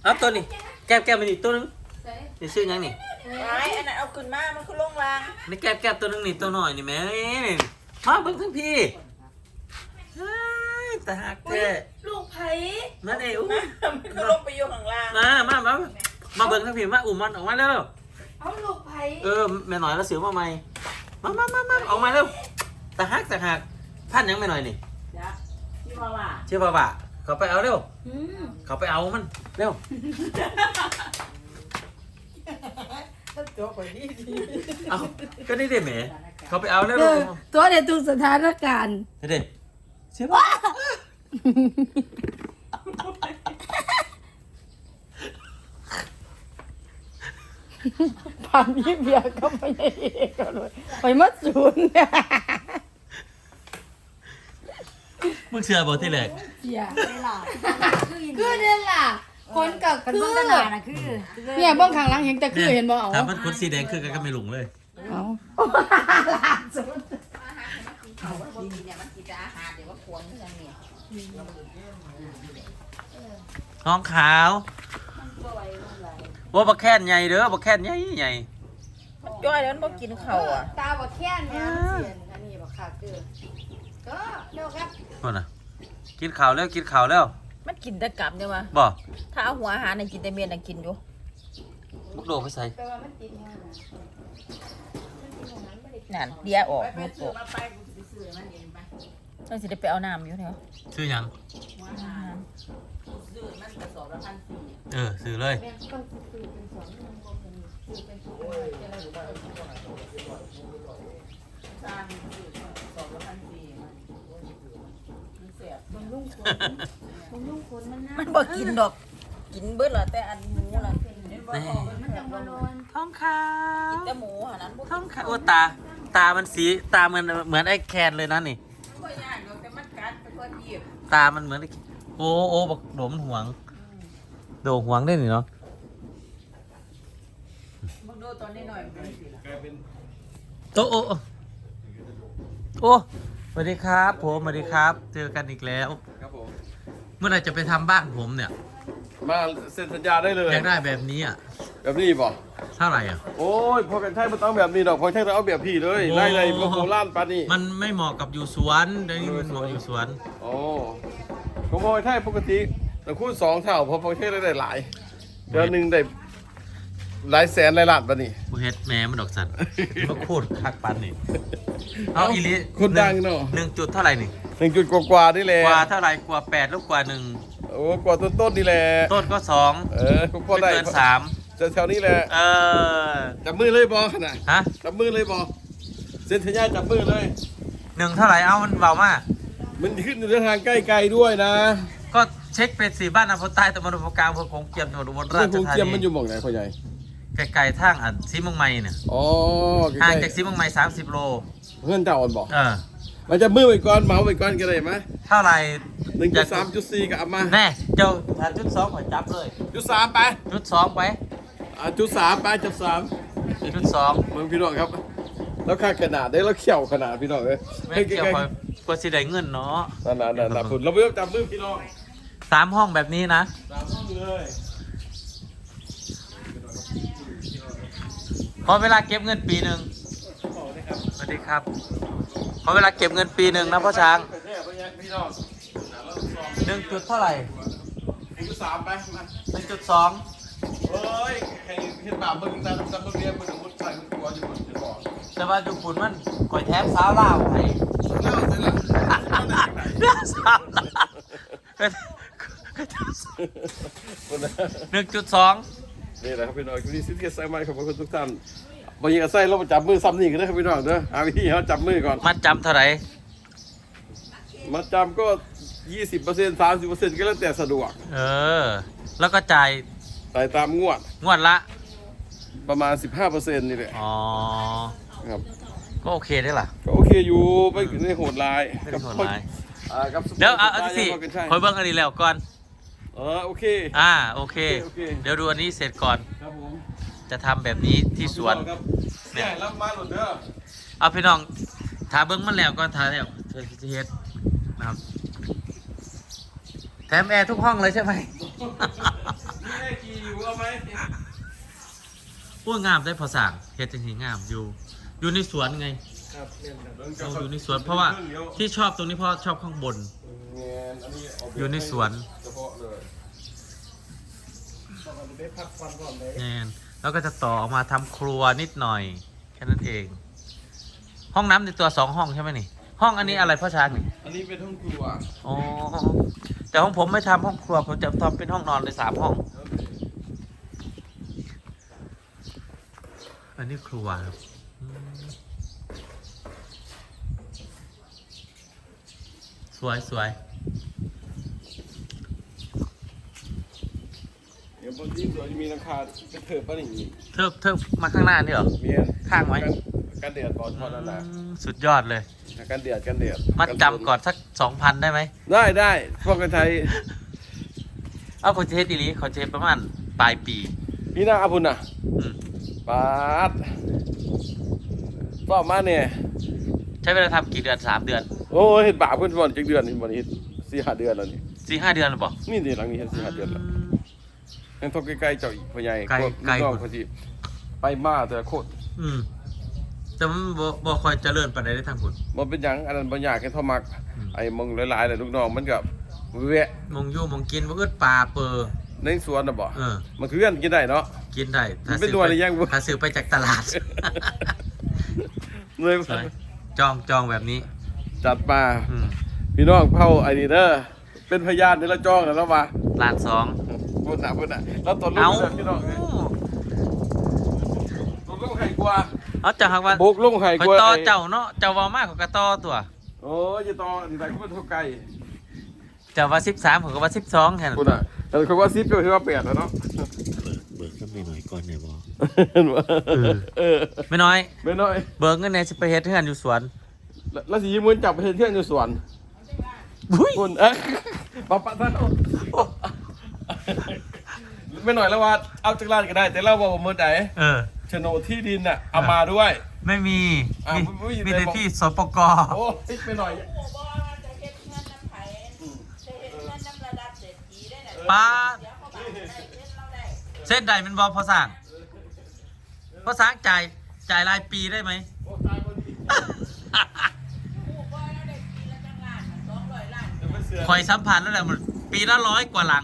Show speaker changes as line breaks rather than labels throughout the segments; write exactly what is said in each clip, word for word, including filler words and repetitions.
เอาตัวนี้แก้บแก้บไปนี่ตัวนึงนี่ชื่อยังนี่
ไม้อันนั้นเอาขึ้นมามันคือลงราง
นี่แก้บแก้บตัวนึงนี่ตัวหน่อยนี่แม่มาเบิ่งทั้งพี่แต่หักแท้
ลูกไผ่
มาเดี๋ยว
มันก็ลงไปอยู่ข้างล่าง
มามามามาเบิ่งทั้งพี่มาอุ้มมันออกมาแล้ว
เอาลูกไผ่
เออแม่หน่อยแล้วเสือมาใหม่มามามามาออกมาแล้วแต่หักแต่หักพันยังแม่หน่อยนี่
ชื่อว่าว่า
ชื่อว่าว่าเขาไปเอาเร็วเขาไปเอามันเร็ว
ตัวไปนี่
เอาก็ได้เด็ดแหมเขาไปเอาแล้ว
ตัวเด็ดทุกสถานการณ์
เด็ดใช่ปะ
ผ่านยี่เบียก็ไม่ได้เอกกันเลยไปมัดศูนย์
มึงเชื่อบอกที่แรก
เชื่อได้ล่ะคือเด่นล่ะคนกับคือ
เบื้องหน้าน่ะคือ
เนี่ยเบื้องข้างหลังเห็นแต่คือเห็นบ่เอา
ถ้ามันคนสีแดงคือกันก็ไม่หลงเลย
เอา
ท้องขาวว่าบักแค่นใหญ่เด้อบักแค่นใหญ่ใหญ่
มันจ้อยแล้วมันบ่กินข้าวอ่ะ
ตาบักแค่นเนี่ยเสียนอันนี้บักขาเกลือก็เร็วครับ
คนน่ะกินข่าวแล้วกินข่าวแล้ว
มันกินแต่กลับใช่ไหม
บ่
ถ้าเอาหัวอาหารในกินแต่เมียนกินอยู่
มุกโดไปใส่
นั่นเดียออกมุกโดเราสิได้ไปเอาน้ำอยู่เถอะ
ซื้อยังเออซื้อเลย
มันบ่กินดอกกินเบิดเหรอแต่อันหมูน่ะ
ท้องขาว
กินแต่หมูหานั้น
ท้องขาวโอ้ตาตามันสีตามันเหมือนไอ้แคนเลยนะนี่ตามันเหมือนโอ้โอ้บอกโดมหวงโดหวงได้หนิเนาะ
มึงดูตอนนี้หน่อย
โอ้โอ้โอ้สวัสดีครับผมสวัสดีครับเจอกันอีกแล้ว
ครับผม
เมื่อไหร่จะไปทำบ้านผมเนี่ย
มาเซ็นสัญญาได้เลย
อยากได้แบบนี้อ่ะ
แบบนี้ป่ะ
เท่าไหร่อ่ะ
โอ้ยพอกันใช่มันต้องแบบนี้ดอกพอใช่ต้องเอาแบบพี่เลยไล่ไล่พวกโบราณปานี่
มันไม่เหมาะกับอยู่สวนเดี๋ยวนี้มันเหมาะอยู่สวน
โอ้ผมบอกใช่ปกติแต่คูณสองเท่าพอพอใช่ได้หลายเดือนหนึ่งได้หลายแสนหลายล้านปานี่
บุเฮ็ดแม่มันดอกสันมาโคตรคักปันนี่เอาอีลิ
คนดังเนาะ
หนึ่งจุดเท่าไหร่นี่
หนึ่งจุดกว่าๆนี่แหละ
กว่าเท่าไหร่กว่าแปดลูกกว่าหนึ่ง
โอ้กว่าต้นต้นนี่แหละ
ต้นก็สอง
เออพอได้
เกินสาม
แถวนี้แหละ
เออ
จับมือเลยบอขนาด
ฮะ
จับมือเลยบอเซ็นสัญญาจับมือเลย
หนึ่งเท่าไหร่เอามันเบามาก
มันขึ้นในทางใกล้ๆด้วยนะ
ก็เช็คเป็นสี่บ้านอำเภอใต้ตะบนอำเภอกลางอำเภอคงเกียมจังหวัดอุบลราชธานี
คงเกียมมันอยู่หม่องไหนพ่อใหญ่
ไกลๆทางอันซีมังไม้เนี่ย
อ๋อ
ห่างจากซีมังไม้สามสิบโล
เพื่อนเจ้าอ่อนบอก
เออ
มันจะมือไปก่อนเหมาไปก่อนก็ได้ไหม
เท่าไหร่
หนึ่งจุดสามจุดสี่กับอามา
แน่เจ้าถ้าจุดสองขอจับเลย
จุดสามไป
จุดสองไป
อ่าจุดสามไปจุดสาม
จุดสอง
มึงพี่น้องครับแล้วค่าขนาดได้แล้วเขี่ยวขนาดพี่น้องเลย
ไม่เกี่ยวกับกว่าสิได้เงินเนาะ
นั่นนั่นนั่นผุดเราไม่ต้องจับมือพี่น้อง
สามห้องแบบนี้นะ
สามห้องเลย
พอเวลาเก็บเงินปีหนึ่งสวัสดีครับพอเวลาเก็บเงินปีหนึ่งนะพ่อช้างหนึ่งจุดเท่าไหร่
หนึ่งจุดสามไปมา
หนึ่งจุดสอง
เฮ้ยใครเห็นบาปมึงตาตามึงเรียนมึงมุดใส่มึงกลัวอยู่หมดจะบอก
แต่ว่าดูฝุ่นมันคอยแทบสาวเล่าไห้
เล่าเสร็จแล้ว
เล่าสาวหนึ่งจุดสอง
นี่แหละครับพี่น้องที่ซิทเกสไซม์ขอบคุณทุกท่านบางทีก็ใส่เราจับมือซ้ำนี่กันนะครับพี่น้องเด้อหาวิธีเขาจับมือก่อน
มัดจำเท่าไหร่
มัดจำก็ยี่สิบเปอร์เซ็นต์สามสิบเปอร์เซ็นต์ก็แล้วแต่สะดวก
เออแล้วก็จ่าย
จ่ายตามงวด
งวดละ
ประมาณสิบห้าเปอร์เซ็นต์นี่แหละ
อ๋อ
ครับ
ก็โอเคได้ล่ะ
ก็โอเคอยู่ไม่ไม่โหดร้าย
ไม่โหดร้าย
เดี๋
ยวเอาสิคอยเบิ้งอันนี้แล้วก่อน
เออโอเค
อ่าโอเคเดี๋ยวดูอันนี้เสร็จก่อน
ครับผม
จะทำแบบนี้ที่สวน
เนี่ยรับมาหลุดเด้อ
เอาพี่น้องถาเบิ้งมันแล้วก่อนถาแล้วเชิญเฮ็ดนะครับแถมแอร์ทุกห้องเลยใช่ไหมอ้ยงามได้พอสั่งเฮ็ดจังซี่งามอยู่ อยู่ในสวนไง
ครับเนี่ยครับ
เราอยู่ในสวนเพราะว่าที่ชอบตรงนี้เพราะชอบข้างบน
เนี่ยอันนี้เาไป
อยู่ในสวน
เฉพาะเลยต้องเอาไปพักฟันก่อนเลย
แน่นแล้วก็จะต่อออกมาทำครัวนิดหน่อย แค่นั้นเอง ห้องน้ำในตัวสองห้องใช่ไหมนี่ ห้องอันนี้อะไรพ่อช้างนี่
อันนี้เป็นห้องครัว
อ๋อแต่ห้องผมไม่ทำห้องครัวผมจะทำเป็นห้องนอนเลยสามห้อง อันนี้ครัวครับอืมสวยสวย
เดี๋ยวบนที่สวนจะมีหลังคาเป็นเถิบป่ะนี่
เทิบเทิบมาข้างหน้านี่เหรอ
เมียน
ข้างไว้
กันกันเดือดบอลทอดนั่นแหละ
อืมสุดยอดเลย
กันเดือดกันเดือด
มัดจำก่อนสักสองพันได้ไหม
ได้ได้พวกกันไทย
เอาคอนเทสต์ดีนี้คอนเทสต์ประมาณปลายปี
พี่นาอาบุญน่ะ
อืม
ปาดบอกมาเนี่ย
ใช้เวลาทำกี่เดือนสามเดือน
โอ้ยเห็ดบาปเพื่อนบอลจักเดือนนี่บอลเห็ดสี่ห้าเดือนแล้วนี่
สี่ห้าเดือนหรือเปล่า
นี่เดี๋ยวหลังนี้เห็ดสี่ห้าเดือนแล้วยังทบใกล้ๆเจ้าอีกพ่อใหญ่
ไกล
พว
ไกล
น้องเขาที่ไปมาแต่ละโคตร
อืมแต่มันบ่บ่คอยเจริญปานใดได้ทางคุณ
มันเป็นหยังอันนั้นบางอย่างแค่ทอมัก
อืม
ไอ้มงหลายๆเลยลูกน้องมันกับแวะ
มงอยู่มงกินบ่อึดปลาเปอร์
ในสวนน่ะบ่
เออ
มันคือกันกินได้เนาะ
กินได้ถ้า
มันเป็น
ซื้อ
ตัว
ไป
อะไรยังบ่
ถ้าซื้อไปจากตลาด
เลย
สวยจองจองแบบนี้
จัดมา
อืม
พี่น้องเผาไอ้นี่เด้อเป็นพยานในละจ้องแล้วแล้วว่า
ล้านสอง
พูดหนักพูดหนักแล้วตนลู
เอา
กเด้อพี่น้องเอ้ยตนลูกไห้กว่า
เอาจะหักว่า
บุกลูกไห้
คอย
กว่า
ต่อ
ไอ้
เจ้าเนาะเจ้าเว้ามากกว่ากระต่อตัว
โอ้ยจะต่อนี่ไหนก็เป็นเท่าไก่
เจ้าว่าสิบสามผมก็ว่าสิบสองแค่นั้น
พูดน่ะแต่เขาว่าซิปก็คือว่าแปดแล้วเนาะ
เบิกก็ไม่น้อยก่อนเนี่ยบ่
เห็นบ่
เออ
เออ
ไม่น้อย
ไม่น้อย
เบิกเงินเนี่ยสิไปเฮ็ดเฮือนอยู่สวน
แล้วแล้วสิยิ้มมือจับไปเที่ยวอยู่สวน
บุ้ย
คุณเอ๊ะปะปะท่านโอ้โอ้ไม่หน่อยแล้วว่าเอาจากร้านก็ได้ แต่เราบอกว่าเมื่อไหร่
เออ
โฉนดที่ดินน่ะเอามาด้วย
ไม่มี
อ่ะ
มี
ไม่มี
มี
แต่
แต่
บอก
ที่สปก
โอ้ติ๊กไปหน่อย
จะเฮ็ดเงินน้ำไผ่จะเฮ็ดเงินน้ำระดับเศรษฐีได้น่ะ
ป้า
เดี๋ยวเขาบอกได้เฮ็ดเราได้
เส้นใดเป็นบอพอสั่งพอสั่งจ่ายจ่ายรายปีได้ไหม
โอ้ตายพอดี
ผู้บ่แล้วได้ปีละจังล้านน่ะสองร้อยล้าน
เดี๋ยวไปเสือ
คอยสัมพันธ์แล้วแหละมันปีละร้อยกว่าหลัง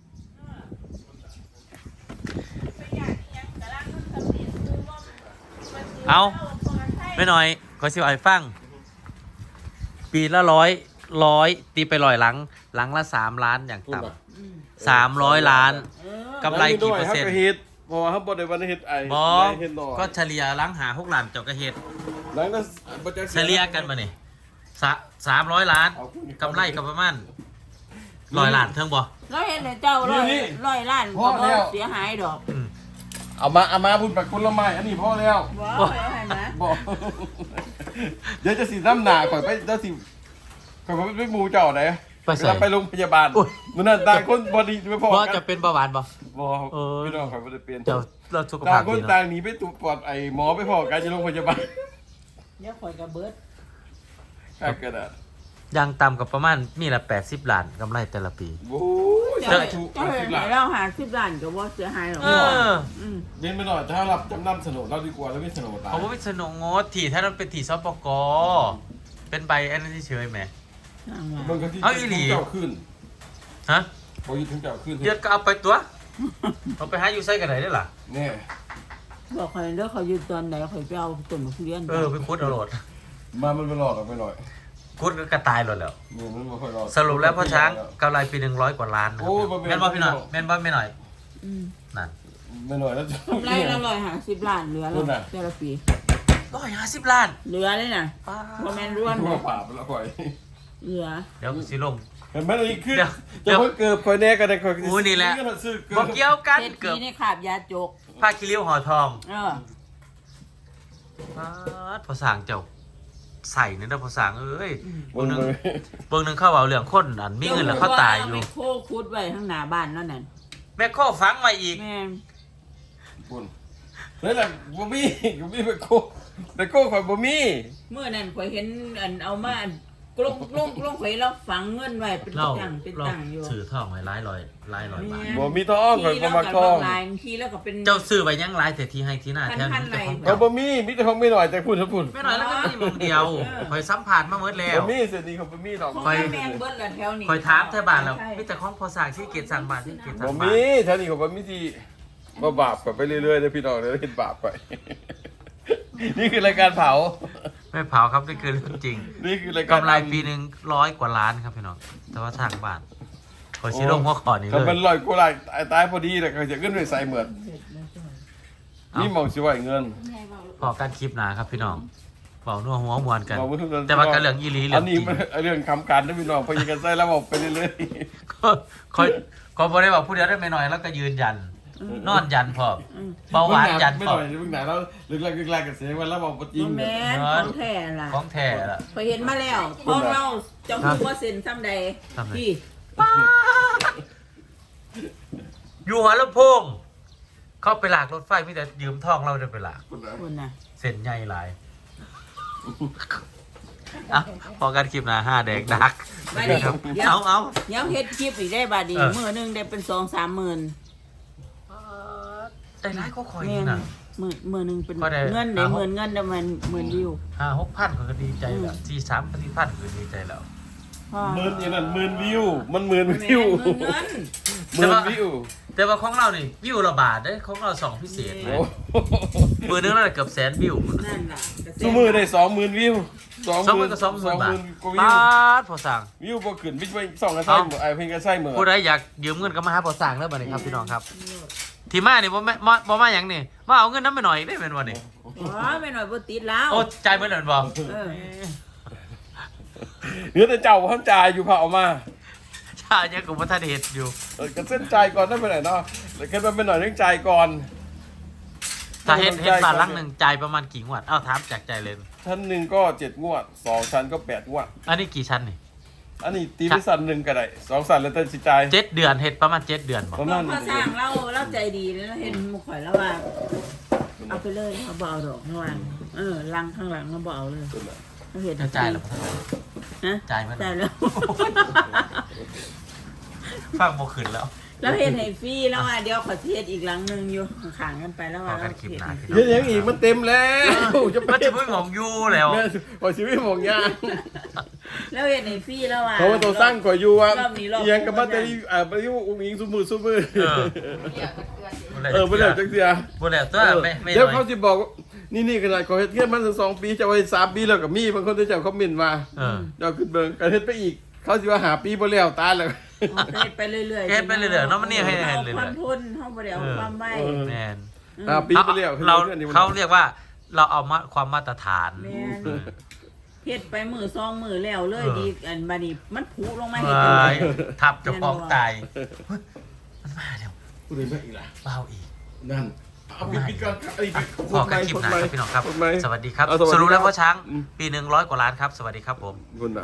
ไปอยากอิหยังกะลังมันสำเร็จคือว่ามันสิ
เอา
พกันไทย
ไม่น้อยขอสิวไอ้ฟัง ปีละร้อยร้อยตีไปร้อยหลัง หลังละสามล้านอย่าง
พูด
ต่
น่ะ
ำสามร้อยล้าน
เออก
ำไรกี่เปอร์เซ็นต์
แล้วมีด้วยครับก็เฮ็ดเพราะว่าเขาบอกในวันเฮ็ดไอ้
บอ
เฮ็ดหน่อย
ก็เฉลี่ยหลังหาหกล้านเจ้ากระเฮ็ด
หลังนั้นบ่จะ
เฉลี่ยกันมาเนี่ยสามร้อยล้านกำไรก็ประมาณร้อยล้านเทิงบ่
เราเห็นแต่เจ้าร้อยร้อยล้านก็บ่เสียหายดอก
อืม
เอามาเอามาพูดแบบคนละไม้อันนี้พอแล้ว
บ่เอาให้มา
บอก เดี๋ยวจะสีน้ำหนาก่อนไปเดี๋ยวสิก่อนไปหมูเจ้าไหน
ไป
เว
ใส่
ลาไปโรงพยาบาล
อุ๊ย
มันนั่นต่างคนบอดีไม่พอ
ว่า
กั
จะเป็นเบาหวานบ่
บอก
เออ
พี่น้องข่อยบ่ได้เปลี่ยน
เจ้าเราสุข
ต่า
ภาง พ
คน
ดี
ต่า
เนาะ
งหนีไปตรวจปอดไอ้หมอไปพอกันจะโรงพยาบาล
เดี๋ยวข่อยก็เบิด
ข้ากระดาษ
ยังต่ำกับประมาณมีละแปดสิบล้านกำไรแต่ละปี
โอ้ย
เจ้า
ถูก
เจ้า
เอา
เห็
สิ
น
บล้าน
เราหาสิบล้านก็บ่เสียหายหรอก
เออ
อืม
เน้นไปหน่อยถ้ารับจำนำโฉนดเราดีกว่าแล้วไม่โฉนดตาย
เขาบอกเป็นสนงงดถี่ถ้ามันเป็นถี่ซปกเป็นใบอันนั้นเฉยๆไหม
สร้างว่า
มันก็ที่
เอาอีหลี
เจ้าขึ้น
ฮะ
พอยึดถึงเจ้าขึ้น
เดือดก็เอาไปตัวเอาไปหาอยู่ไส้กันไหนได้ล่ะ
เนี่ย
บอกข่อยเด้อเขาอยู่ตอนไหนข่อยไปเอาต้นมะเขือ
เออไปคุดเอาโหลด
มามันไปหลอกกันไปหน่อย
คุดก็กระตายโหลดแล้ว
เนี่ยมันไม่ค่อยหลอก
สรุปแล้วพ่อช้างกำไรปีหนึ่งร้อยกว่าล้านนะค
โอ้
รับ
ยบ่แม่น
แม่นว่าพี่หน่อยแม่นว่าไม่หน่อย
อืม
นั่น
ไม่หน่อยแล้ว
กำไรละร้อยห้าสิบล้านเหลือ
พูด
แล้
น่ะ
วแต่ละปี
ร้อยห้าสิบล้าน
เหลือเลยน่ะ
ป้า
บ่แม่นร่วน
ทั่ว
นะ
ป่าไปแล้วค่อย
เหลือ
เดี๋ยวสิลง
เห็นไหมนี่คือ
เดี๋ยว
จะเพิ่งเกิดคอยแน่กันได้คอย
อู้นี่แหละ
ซื้อเกิ
บอกเกี่ยวกัน
เศรษฐี
เกือบ
ในขาบยาจก
ผ้าคิริ้วห่อทอง
เออ
ป๊าดภาษาเจ้าใส่เนี่ยนะภาษาเอ้ย
บ
เบิ่
น
งหนึง
เลย
เบิ่งหนึงเข้าเอาเรื่องคนอันมีเงินแล้วเขาตายอยู่
เจ้ขว่เไมโคคุดไว้ข้างหน้าบ้านนั่นน่ะ
แม่ข้อฟังมาอีก
แม่น
บนนั่นแหละบ่มีบ่มีไปโก้ไปโก้คอยบ่มี
เมื่อนั้นข่อยเห็นอันเอามาอันกลงกลงกลงข่อยเราฝังเงินไว้เป็น
เรา
ตังเป็น
เรา
ตังอยู่
ซื้อทองไว้หลายร้อยหลายร้อยบาท
บ่มีทองข่อยบ่มักทอง
ลายบางทีแล้วก็เป็น
เจ้าซื้อไว้ยังหลายแต่ที่ให้ที่หน้าแถวนี้เจ้าของ
เขาบ่มีมีแต่ของไม่หน่อยแต่พูดถ้าพูด
ไม่น้อยแล้วก็มีมงเดียวคอยสัมผัสมาเมื่อแล้ว
บ่มีเส้นนี้เขาบ่มีดอก
ของ
ข่อย
แมงเบิดละแถวนี้
คอยถามแถวบ้านแล้วมีแต่ของพอสร้างที่เกียรติสั่งบ้านที่เกียรติสั่
บ่
งบ้า
มี
น
แถวนี้เขาบ่มีที่บ่บาปกันไปเรื่อยๆเด้อพี่น้องเด้อเฮ็ดบาปไป นี่คือรายการเผา
ไม่เผาครับนี่คือเรื่องจริง
นี่คือรายการ
กำไรปีหนึ่งร้อยกว่าล้านครับพี่น้องแต่ว่าทางบ้านคอยชี้ลงหัวขอนี้
ถ้า
เล
มัน
ย
ลอยกูหลายตายตายพอดีแล้วก็จะขึ้นไปใส่เหมือนนี่หมองสิไหวเงิน
พอการคลิปหนาครับพี่น้องเบานัวหัวมวนกัน
บอกว่าทุกคน
แต่ว่าการเรื่องอีหลีเรื่
อั
อน งจ
นี้
ริง
มันเรื่องคำการนะพี่น้องพอยิงกันใส่แล้วบอกไปเรื่อย
ก็คอยก็บอได้บอกผู้เดียวได้ไม่น้อยแล้วก็ยืนยัน นอนยันพร้อม
อืม
ๆ
เบาหวานยัน
ไม่
พ
ห
ร้อ
น่
ม
อยมึงไหนแล้วลึกแรกลึกแรกกันเสียงวันแล้วบอกจริง
บ่แม่น
เน
ข
อะ
องแท้ล่ะ
ของแท้ละ
พอยเห็นมาแล้วพองเราเจ้าคือว่าเซ็นซ้ำใด
ซ้ำใด
พี่
อยู่หัวลำโพงเข้าไปหลากรถไฟมีแต่ยืมทองเราเดินไปหลาก
คุณน่ะ
เส้นใหญ่หลายอ่ะพอกันคลิปหนาห้าแดกดัก
ไม่ได้
ครับ
เดี๋ยว
เอาเอา
เดี๋ยวเฮ็ดคลิปอีกได้บาดดี
เออ
มื้อหนึงได้เป็นสองสามหมื่น
ได้ร้ายก็คอย
แม่
นี่
น
นะ
มื้อมื้อหนึงเป็น
ก็ได้
เงินได้
เอา
หมื่นเงินได้มันหมื่นวิว
ห้าหกพันก็ดีใจแล้ว
อืม
สี่สามก็สี่พันก็ดีใจแล้ว
พ่อ
หมื่นอย่างนั้นหมื่นวิว มันหมื่น
แม่น
วิว
หมื่นเงิน
หมื่นวิว
แต่ว่าของเรานี่วิวละบาทได้ของเราสองพิเศษ
โอ้
เลยมือนึงเราเกือบแสนวิว
นั่นล่ะกระแส
ชั่วมือได้สองหมื่นวิวสอง
สองหมื่นกับสองหมื่นบาท
กว่าวิ
บาว ทพอสั่ง
วิวบ่ขึ้นวิวไปสองกระไส้เหมือนไอ้เพิ่งกระไส้เหมือน
ผู้ใดอยากยืมเงินก็มาหาพอสั่งแล้วบัดนี้ครับพี่น้องครับ ที่มานี่บ่แม่บ่บ่มาหยังนี่มาเอาเงินน้ำไปหน่อยได้เป็นวันนี้
อ๋อไม่หน่อยบ่ติดแล้ว
โอ้ใจายเมื่อไหร่บ่
เออ
เนื้อแต่เจ้าท่านจ่ายอยู่เผามา
ชาเนี่ยกูบ่ทันเฮ็ดอยู่
เออก็เส้นจ่ายก่อนได้ไปไหนเนาะแต่แค่มันเป็นหน่อยเรื่องจ่ายก่อน
ถ้าเฮ็ดเฮ็ดบ้านหลังหนึงจ่ายประมาณกี่งวดเอ้าถามจากใจเลย
ชั้นหนึ่งก็เจ็ดงวดสองชั้นก็แปดงวด
อันนี้กี่ชั้นนี่
อันนี้ตีไปสันหนึ่งก็ได้สองสันแล้วแต่สิจ่าย
เจ็ดเดือนเฮ็ดประมาณเจ็ดเดือนบ่
ประ
พ
มา
อ
ณ
พอสร้างเราเราใจดีเลยนะเห็นหมุข่อยแล้วว่า เอาไปเลยเขาบ่เอาดอกเมื่อวานเออลังข้างหลังเขาบ่เอาเลยเขาเห็น
จะจ่ายแล้วบ่ทัน
ฮะ
จ่ายเมื่อไหร่
จ่ายแล้ว
ฟังบ่ขึ้นแล้ว
แล้วเห็นให้ฟรีแล้วว่าเดี๋ยวขอเทศอีกหลังหนึงอยู่ขางๆกันไปแล้วว่า
ขอกันคลิปหน้า
เฮ็ดให้ฟรี
เดี๋ยวยังอีกมันเต็มแล้วจะไป
มันจะเพิ่งของยูแล้ว
แม่ขอชีวิตของยาง
แล้วเห็นให้ฟรีแล้วว่า
เพราะว่าตัวสร้างขอยอยู่ว่า
อบนี้รอบ
เอียงกับบัตเตอรี่อ่าบัตเตอรี่อุ้งอิงซุมือซุมือ
เออ
เออไปเลยจังเสีย
บ่แล้วตัวไม่ไม่
เดี๋ยว
น้
เขา
อย
จะบอกว่านี่นี่ขนาดขอเฮ็ดเทียนมันถึงสองปีจะไว้สามปีแล้วกับมีบางคนจะเขาคอมเมนต์มา
เออ
เดี๋ยวขึ้นเบิ่งกันเฮ็ดไปอีก เขาสิว่าหาปีบ่แล้วตายแล้ว
เฮ็ดไปเรื่อยๆ
เฮ็ดไปเรื่อยๆเนาะมันนี่ให้ให้เรื่อยๆ
เอาความทุนเฮาบ่ได้เอาความไว้
เออ
แม่น
หาปีไปแล้ว
เรา
ขึ้น
เขาเรียกว่าเราเอามาความมาตรฐาน
แม่นเฮ็ดไปมือซองมือแล้วเลย
เออ
ดีอันบัดนี้มันผุลงมา
เฮ้
เฮ็ดจังได๋
ยทับเจะฟ้าของตายเฮ้ยมันมาแล้ว
พูดถึงอีกล่ะ
เบาอีก
นั่นเอาปิดปิดก่อนไอ้
อ่ะพอกันคลิปหน้าครับพี่น้องครับ
พูดไหม
สวัสดีครับ
เอาสวัสดี
สรุปแล้ว
ครับ
พ่อช้าง
อืม
ปีหนึ่งร้อยกว่าล้านครับ สวัสดีครับผม
คุณน่ะ